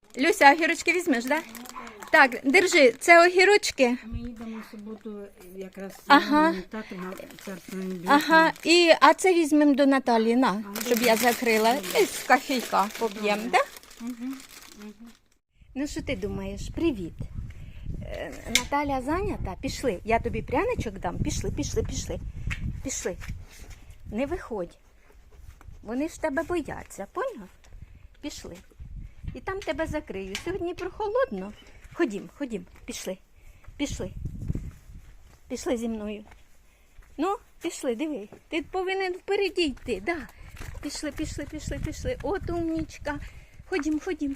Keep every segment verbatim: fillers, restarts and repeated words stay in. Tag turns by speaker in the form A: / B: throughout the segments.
A: Люся, огірочки візьмеш, так? Да? Так, держи, це огірочки.
B: Ми їдемо в суботу якраз
A: Ага.
B: тату на царство небесне.
A: Ага, і, а це візьмемо до Наталі, на, щоб я закрила. І з кофійка поп'ємо, так? Да?
B: Угу.
A: Ну, що ти думаєш? Привіт. Е, Наталя зайнята? Пішли. Я тобі пряничок дам. Пішли, пішли, пішли. Пішли. Не виходь. Вони ж тебе бояться, поняв? Пішли. І там тебе закрию. Сьогодні прохолодно. Ходім, ходім, пішли. Пішли. Пішли зі мною. Ну, пішли, диви. Ти повинен впереді йти, да. Пішли, пішли, пішли, пішли. От умнічка. Ходім, ходім.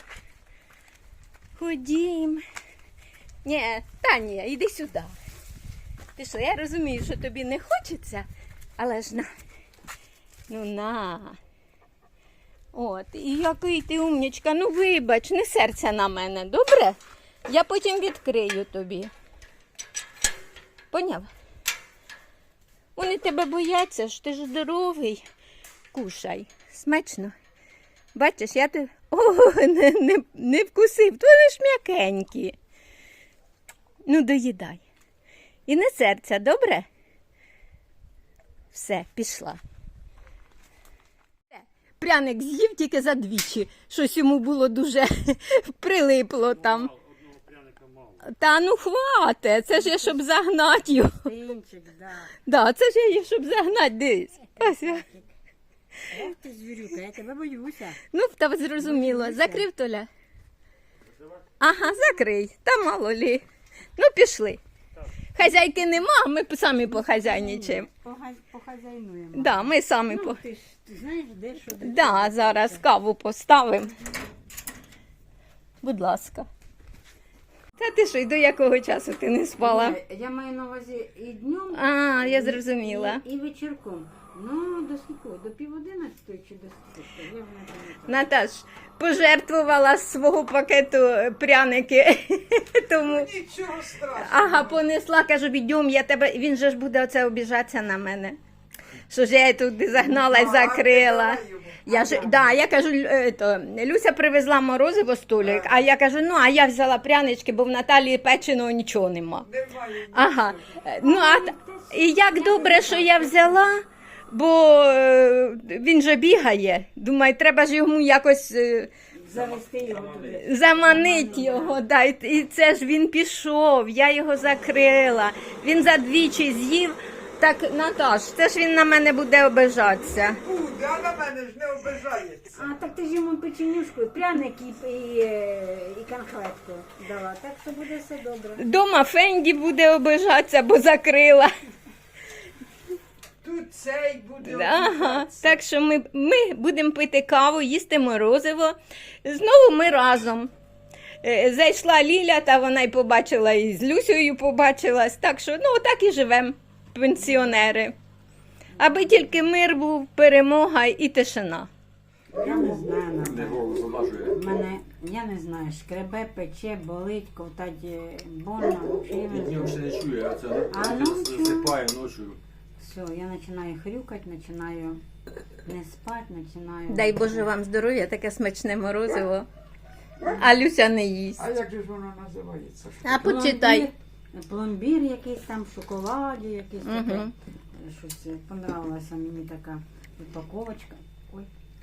A: Ходім. Ні, та ні, іди сюди. Пішли, я розумію, що тобі не хочеться, але ж на. Ну на. От, і який ти умнічка. Ну вибач, не серця на мене, добре? Я потім відкрию тобі. Поняв? Вони тебе бояться, що ти ж здоровий. Кушай. Смачно. Бачиш, я тебе... О, не, не, не вкусив. Вони ж м'якенькі. Ну, доїдай. І не серця, добре? Все, пішла. Пряник з'їв тільки за двічі. Щось йому було дуже прилипло там. Та ну хвате, це ж я, щоб загнати його.
B: Синчик, да.
A: Да, це ж я, щоб загнати, дивись. Ось.
B: Ох ти, звірюка, я тебе боюся.
A: Ну, та зрозуміло. Закрив, Толя? Ага, закрий. Та мало лі. Ну, пішли. Хазяйки нема, а ми самі похазяйничаємо.
B: Пога- Похазяйнуємо.
A: Да, ми самі
B: Ну,
A: по...
B: ти ж ти знаєш, де що де.
A: Да, зараз каву поставимо. Будь ласка. Та ти що, й до якого часу ти не спала?
B: Ні, Я маю на увазі і днем,
A: А, я
B: і-
A: зрозуміла.
B: І, і вечірком. Ну, до скільки? До пів одинадцятої чи до скільки? Я вже не пам'ятаю.
A: Наташ, пожертвувала з свого пакету пряники. Тому...
C: Нічого страшного.
A: Ага, понесла, кажу, відьом, я тебе. Він же ж буде оце обіжатися на мене. Що ж я її туди загнала і закрила. Я ж, да, я кажу, е, то, Люся привезла морозиво столик, а я кажу, ну, а я взяла прянички, бо в Наталії печеного нічого нема.
C: Немає.
A: Ага. Е, Ну, а, т- і як добре, що я взяла, бо е, він же бігає. Думаю, треба ж йому якось е,
B: Завести його туди.
A: заманити його. Да, і, і це ж він пішов, я його закрила. Він за двічі з'їв. Так, Наташ, це ж він на мене буде обижатися.
C: Буде, а на мене ж не обижається.
B: А, так ти ж йому печенюшку, пряник і, і, е, і конфетку дала. Так що буде все добре.
A: Дома Фенді буде обижатися, бо закрила.
C: Тут цей буде
A: Ага,
C: обижатися.
A: так що ми, ми будемо пити каву, їсти морозиво. Знову ми разом. Е, Зайшла Ліля, та вона й побачила, і з Люсею побачилась. Так що, ну, так і живемо, пенсіонери. Аби тільки мир був, перемога і тишина.
B: Я не знаю,
D: Не
B: Наталя.
D: голос замажує.
B: Мене, я не знаю, шкребе, пече, болить, ковтать е, больно, взагалі я не
D: Днем ще
B: знаю.
D: не чує, а це
B: А ночью?
D: засипає ночі.
B: Все, я починаю хрюкати, починаю не спати, починаю...
A: Дай Боже вам здоров'я, таке смачне морозиво. А Люся не їсть.
C: А як же ж воно називається?
A: А почитай.
B: Пломбір, пломбір якийсь там, в шоколаді, якийсь таке.
A: Мгм.
B: Щось е, понравилася мені така упаковочка. Ой.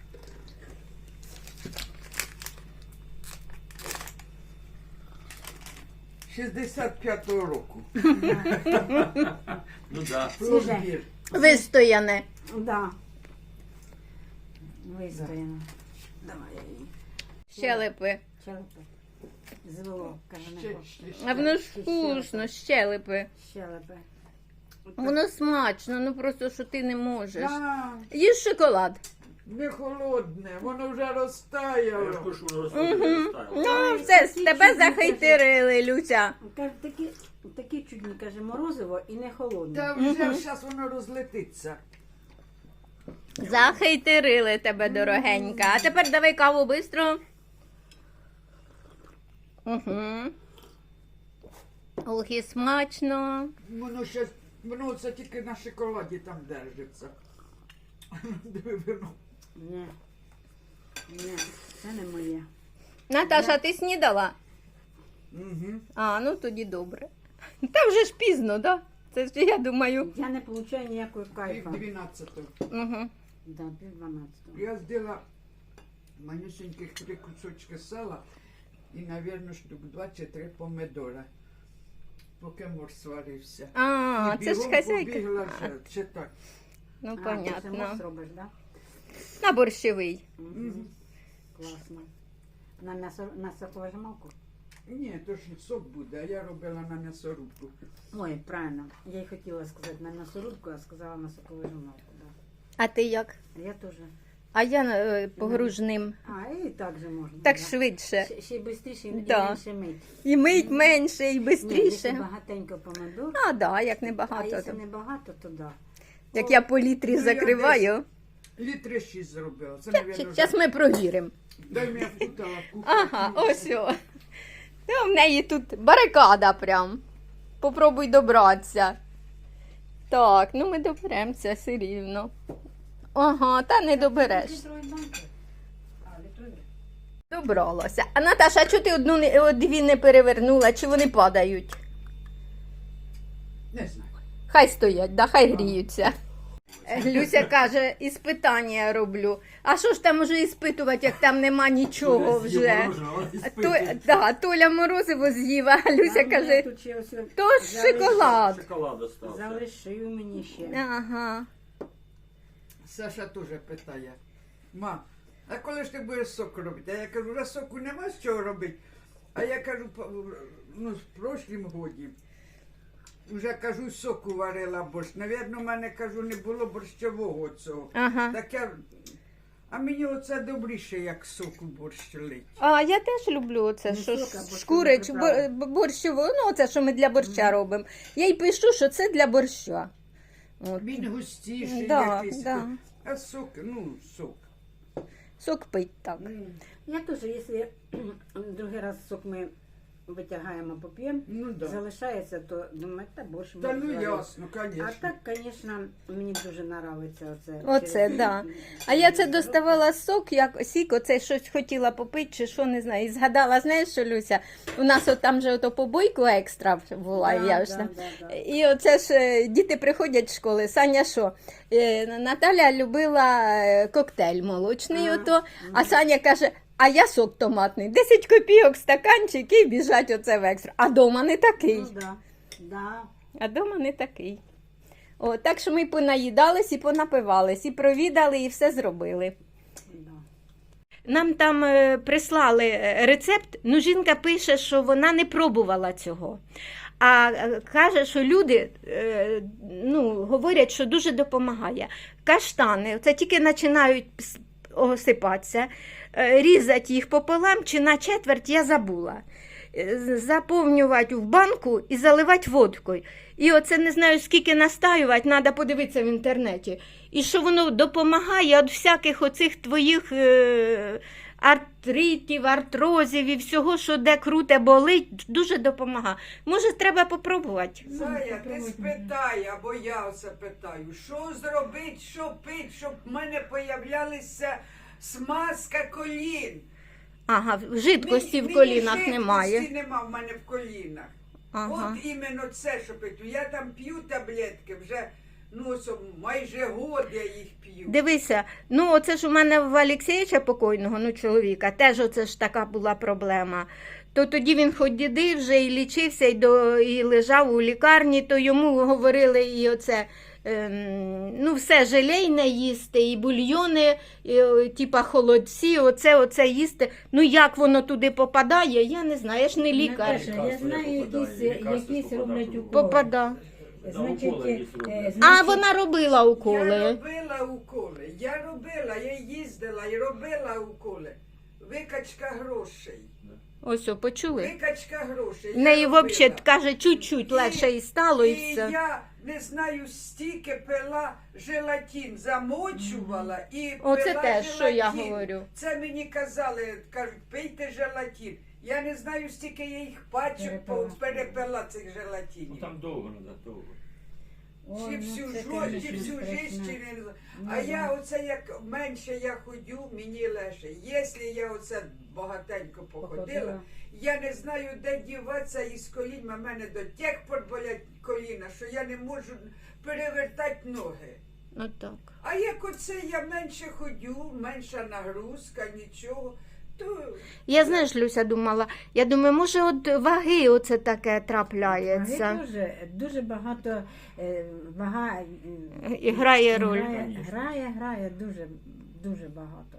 C: шістдесят п'ятого року.
D: Ну так.
C: Пломбір.
A: Вистояне.
B: Да. Вистояно. Давай я її.
A: Щелепи.
B: Щелепи. Звело, каже, не
C: Ще-
B: хоче.
C: ще-
A: А воно ж вкусно, щелепи.
B: Щелепи.
A: Воно смачно, ну просто що ти не можеш.
C: Да,
A: Їж шоколад.
C: не холодне, воно вже
D: Я ж
C: розтаяло.
D: кажу, що воно розставило.
A: Ну, все, з тебе захайтерили, Люся.
B: Каже, такі, такі чудні, каже, морозиво і не холодне.
C: Та вже зараз воно розлетиться.
A: Захайтерили тебе, дорогенька. А тепер давай каву швидко. Угу. Ох, і смачно.
C: Воно ще, воно це тільки на шоколаді там держиться. Диви, воно.
B: Ні. Ні, це не моє.
A: Наташа, ти снідала?
C: Угу.
A: А, ну тоді добре. Та вже ж пізно, так? Да? Це ж я думаю.
B: Я не отримую ніякого
C: Пів
B: кайфа.
C: дванадцятого.
A: Угу.
B: Да, пів дванадцятого.
C: Я зробила манюсеньких три кусочки сала і, мабуть, штук два чи три помидора, поки мор сварився.
A: А,
C: І
A: це ж
C: бігом
A: хазяйка.
C: побігла вже, чи так.
A: Ну,
B: А, ти
A: понятно.
B: сама зробиш, да?
A: На борщовий.
B: Мгм. Класно. На м'ясо, на соковижималку?
C: Ні, то ж сок буде, а я робила на м'ясорубку.
B: Ой, правильно. Я й хотіла сказати на м'ясорубку, а сказала на соковижималку, да.
A: А ти як?
B: Я теж.
A: А я е, погружним.
B: А, і так же можна.
A: Так
B: да.
A: швидше.
B: Ще, ще й швидше, і
A: Да.
B: менше мить.
A: І мить менше, і
B: Ні, якщо
A: швидше.
B: багатенько помидор,
A: А, да, як
B: а
A: небагато.
B: якщо
A: то.
B: не багато, то да.
A: Як я по літрі
C: Ну, я
A: закриваю.
C: Літри шість зробила. Це, мабуть,
A: Зараз ми провіримо.
C: дай мені впутала в кухню.
A: Ага, ось о. Ну, в неї тут барикада прям. Попробуй добратися. Так, ну ми доберемося все рівно. Ага, та не добереш.
B: Літрові банки. А, літрові.
A: Добралася. А Наташа, а чого ти одну не- о, дві не перевернула? Чи вони падають?
C: Не знаю.
A: Хай стоять, да, хай гріються. Люся каже, іспитання роблю. А що ж там можу іспитувати, як там нема нічого вже? А То, да, Толя морозиво з'їв, а Люся
B: А,
A: каже,
B: ні, тут ще ось
A: то ж шоколад.
D: Шоколад остався.
B: залишив мені ще.
A: Ага.
C: Саша теж питає. Ма, а коли ж ти будеш сок робити? А я кажу, вже соку нема з чого робити. А я кажу, по- ну, в прошлім годі. Вже кажу, соку варила борщ. Навірно, в мене кажу, не було борщового цього.
A: Ага.
C: Так я. А мені оце добріше, як соку борщ лить.
A: А я теж люблю оце,
B: Не
A: що
B: сок, а борщові
A: шкурич,
B: приправи.
A: бор- борщово, ну це, що ми для борща робимо. Я й пишу, що це для борща. От.
C: Він густіший
A: Да,
C: якийсь.
A: да.
C: А сок, ну, сок.
A: Сок пить так.
B: Я теж, якщо другий раз сок ми витягаємо, поп'ємо,
C: Ну да.
B: залишається, то думаю, та більше
C: Та
B: можна
C: ну
B: зварити.
C: ясно, звісно.
B: А так, звісно, мені дуже подобається оце.
A: Оце,
B: через-
A: да. А я це доставала сок, як сік, оце щось хотіла попити, чи що, не знаю. І згадала, знаєш що, Люся, у нас от там же ото побойку екстра була,
B: Да,
A: я ж
B: да,
A: там.
B: да, да.
A: І оце ж е, діти приходять з школи. Саня що? Е, Наталя любила е, коктейль молочний,
B: Ага.
A: ото, а Саня каже, а я сок томатний. десять копійок стаканчик і біжать оце в екстра. А дома не такий.
B: Ну, да. Да.
A: А дома не такий. О, так що ми понаїдались і понапивались, і провідали, і все зробили.
B: Да.
A: Нам там е, прислали е, рецепт, ну жінка пише, що вона не пробувала цього. А е, каже, що люди е, ну, говорять, що дуже допомагає. Каштани, це тільки починають пс- осипатися, е, різати їх пополам чи на четверть, я забула. Е, Заповнювати в банку і заливати водкою. І оце не знаю, скільки настаювати, треба подивитися в інтернеті. І що воно допомагає від всяких оцих твоїх е, артритів, артрозів і всього, що де круте болить, дуже допомагає. Може, треба попробувати.
C: Зая, ти спитай, або я оце питаю, що зробити, що пить, щоб в мене появлялися смазка колін.
A: Ага, жидкості
C: Мені-
A: в колінах
C: мені
A: немає.
C: жидкості нема в мене в колінах.
A: Ага.
C: От іменно це, що пить. Я там п'ю таблетки вже, ну, ось майже год я їх п'ю.
A: Дивися, ну оце ж у мене в Олексійовича покойного, ну чоловіка, теж оце ж така була проблема. То тоді він ходив вже і лічився, і, до, і лежав у лікарні, то йому говорили і оце, ем, ну все желейне їсти, і бульйони, і, о, типа холодці, оце, оце їсти. Ну як воно туди попадає, я не знаю, я ж не лікар.
B: Наташа, я знаю, якісь,
D: Лікарство
B: якісь
D: попадає.
B: роблять уколи.
A: Попада.
B: Значить,
D: уколи якісь
B: е,
D: роблять.
A: А
B: значить,
A: вона робила
C: Я
A: уколи.
C: робила уколи, я робила, я їздила і робила уколи. Викачка грошей.
A: Ось, о, почули?
C: Викачка грошей.
A: В неї
C: я робила.
A: взагалі, каже, чуть-чуть
C: І-
A: легше і стало, і
C: І
A: все.
C: я не знаю, стільки пила желатин, замочувала і
A: Оце
C: пила
A: те, що я
C: желатин.
A: говорю.
C: Це мені казали, кажуть, пийте желатин. Я не знаю, стільки я їх пачок
B: Перепила.
C: по- перепила цих
D: Ну,
C: желатинів.
D: там довго треба, довго.
B: ой,
C: Чи
B: ну,
C: всю
B: це,
C: жо-
B: конечно,
C: чи всю
B: страшно.
C: жизнь, чи не знаю.
B: Ну,
C: А
B: да.
C: я оце як менше я ходю, мені легше. Якщо я оце багатенько походила.
B: Походила.
C: Я не знаю, де діватися із колінь, а в мене до тих пор болять коліна, що я не можу перевертати ноги.
A: Ну так.
C: А як оце я менше ходю, менша нагрузка, нічого, то
A: Я, знаєш, Люся думала, я думаю, може от ваги оце таке
B: Ваги
A: трапляється.
B: дуже, дуже багато е, вага е,
A: І грає роль.
B: Грає, грає, грає дуже, дуже багато.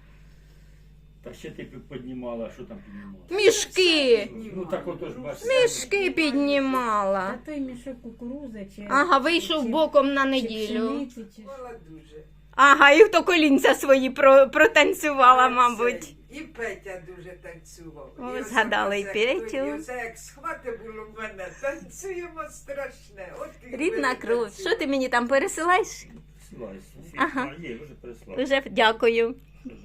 D: Та ще ти піднімала, що там піднімала?
A: Мішки!
D: Ну так ото ж бачиш.
A: Мішки піднімала.
B: Та той мішок кукурузи чи...
A: Ага, вийшов
B: чи-
A: боком на
B: чи
A: неділю.
B: пшениці, чи...
C: мала дуже.
A: Ага, і то колінця свої про, протанцювала,
C: А
A: мабуть.
C: цей, І Петя дуже танцював.
A: О,
C: І оце
A: згадали і
C: оце,
A: Петю.
C: І оце як схвати було в мене, танцюємо страшне. От і
A: Рідна
C: ми
A: кров.
C: танцюємо.
A: Що ти мені там пересилаєш?
D: Силайся.
A: Ага.
D: А, є, вже переслав.
A: Вже дякую.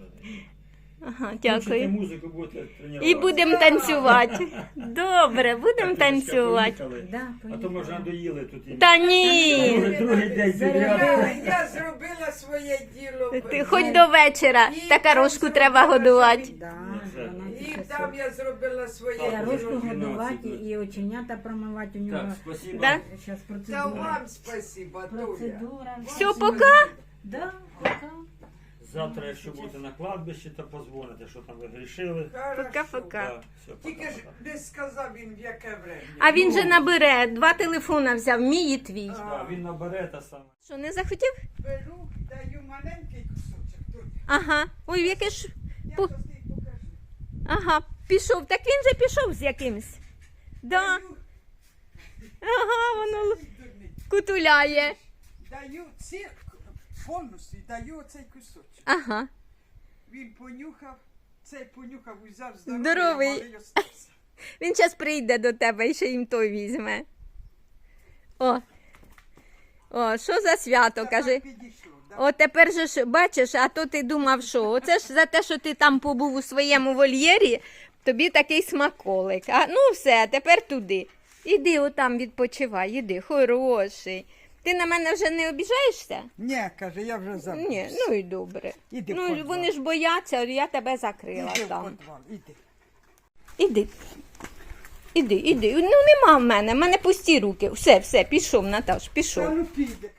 A: Ага,
D: Включите
A: дякую.
D: музику, будете тренувати.
A: І будемо танцювати. Добре, будемо танцювати.
B: Да,
D: А то ми
B: поїхали.
D: вже надоїли тут. і-
A: Та ні.
D: Другий, другий день
C: Я,
D: підряд.
C: я зробила своє діло.
A: Ти хоч до вечора. Та рожку треба годувати.
B: Да,
D: Вже.
C: І
B: дванадцять
C: там
B: часов.
C: я зробила своє
B: Я
D: Так,
B: рожку
C: діло.
B: годувати і оченята промивати у
D: Так,
B: нього.
D: спасибо.
A: Да?
B: Зараз
C: Та
B: процедура.
C: вам спасибо, Толя.
B: Процедура.
A: Все, пока.
B: Да, пока.
D: Завтра, якщо будете на кладбищі, то позвоните, що там ви грішили.
C: Хорошо.
A: Пока-пока.
D: Так, все,
C: Тільки ж
D: пока-пока.
C: не сказав він, в яке время.
A: А він же набере, два телефона взяв, мій і твій.
D: Да, він набере та саме.
A: Що, не захотів?
C: Беру, даю маленький кусочок. Тут.
A: Ага. Ой, яке ж.
C: Я
A: Пу-
C: тобі покажу.
A: Ага, пішов. Так він же пішов з якимсь. Да.
C: Даю,
A: Ага, воно л-
C: дурний.
A: кутуляє.
C: Даю цирк повністю, і даю оцей кусочок.
A: Ага.
C: Він понюхав, цей понюхав, узяв здоровий,
A: Здоровий.
C: а малий остався.
A: Він зараз прийде до тебе і ще їм той візьме. О. О, що за свято,
C: Це
A: кажи.
C: так підійшло, да?
A: О, тепер же ж бачиш, а то ти думав, що оце ж за те, що ти там побув у своєму вольєрі, тобі такий смаколик. А ну все, тепер туди. Іди отам відпочивай, іди, хороший. Ти на мене вже не обіжаєшся?
C: Ні, каже, я вже забув.
A: Ні, ну і добре.
C: Іди в
A: Ну,
C: підвал.
A: вони ж бояться, я тебе закрила
C: Іди в
A: там.
C: підвал, іди.
A: Іди. Іди, іди. Ну нема в мене, в мене пусті руки. Все, все, пішов, Наташ,
C: Та
A: пішов.
C: ну піде.